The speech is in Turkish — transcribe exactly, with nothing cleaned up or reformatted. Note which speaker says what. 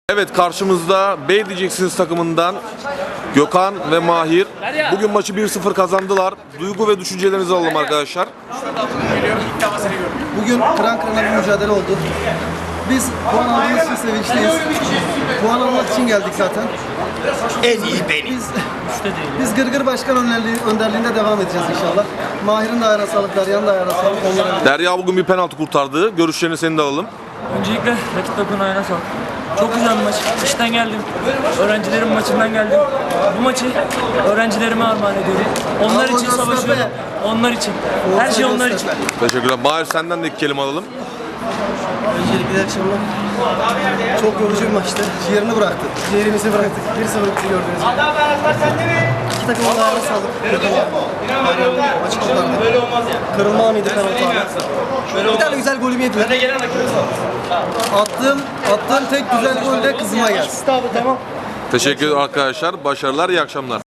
Speaker 1: Evet, karşımızda Bey diyeceksiniz takımından Gökhan ve Mahir. Bugün maçı bir sıfır kazandılar. Duygu ve düşüncelerinizi alalım arkadaşlar.
Speaker 2: Bugün kıran kırana bir mücadele oldu. Biz puan aldığımız için sevinçliyiz. Puan almak için geldik zaten.
Speaker 3: En iyi benim.
Speaker 2: Biz, biz Gırgır Başkan önderliği, önderliğinde devam edeceğiz inşallah. Mahir'in de ayağına sağlık, Derya'nın da ayağına sağlık. Onlara
Speaker 1: Derya bugün bir penaltı kurtardı. Görüşlerini senin de alalım.
Speaker 4: Öncelikle rakip takımın ayağına sağlık. Çok güzel bir maç. İşten geldim. Öğrencilerin maçından geldim. Bu maçı öğrencilerime armağan ediyorum. Onlar için savaşıyorum. Onlar için. Her şey onlar için.
Speaker 1: Teşekkürler. Mahir, senden de iki kelime alalım.
Speaker 2: öncelikle iyi akşamlar. Çok yorucu bir maçtı. Ciğerini bıraktı. Ciğerimizi bıraktık. Bir sıfır gördüğünüz gibi. İki takımın da ayağına sağlık. Maçı kurtardık. Kırılma anıydı penaltı abi. Bir tane güzel golümü yediler. Attığım, attığım tek güzel gol de kızıma geldi.
Speaker 1: Teşekkür arkadaşlar. Başarılar, iyi akşamlar.